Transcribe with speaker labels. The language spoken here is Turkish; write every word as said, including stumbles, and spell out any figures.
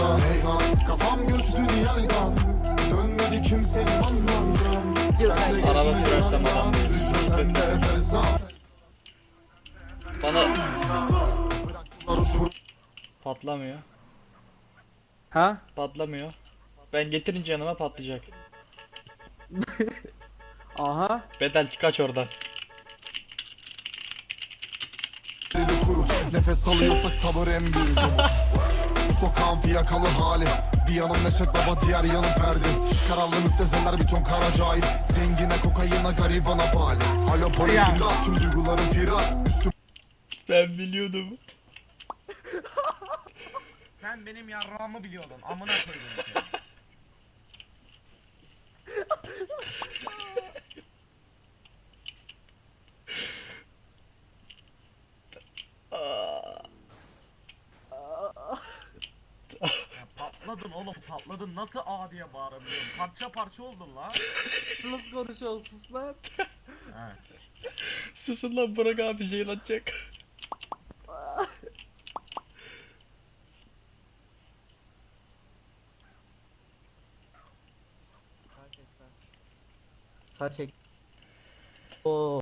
Speaker 1: yolda Heyhat kafam göçtü diyardan, dönmedi kimsenin anlamdan. Sen de
Speaker 2: Araba
Speaker 1: geçme
Speaker 2: sürersem
Speaker 1: yandan,
Speaker 2: adam
Speaker 1: düşme sen de fersah.
Speaker 2: bana
Speaker 1: Bıraktılar uçur.
Speaker 2: patlamıyor.
Speaker 3: Ha?
Speaker 2: Patlamıyor. Ben getirince yanıma patlayacak.
Speaker 3: Aha.
Speaker 2: Bedel kaç oradan.
Speaker 1: Eli kurut, nefes alıyorsak sabır en büyük umut. Bu sokağın fiyakalı hali, bir yanım Neşet Baba, diğer yanım Ferdi. Kararlı müptezeller bir ton kara cahil, zengine kokayına garibana bali. Alo polis imdat, tüm duygularım firar. Üstüm
Speaker 2: Ben biliyordum.
Speaker 4: Sen benim yarrağımı biliyordun. Amına koydum seni. Ya patladın oğlum, patladın. Nasıl A diye bağırabiliyorsun? Parça parça oldun la.
Speaker 3: Nasıl konuşuyorsun lan?
Speaker 4: He.
Speaker 2: Susun lan, Burak abi jeylanacak.
Speaker 3: Sağ çek. Oo.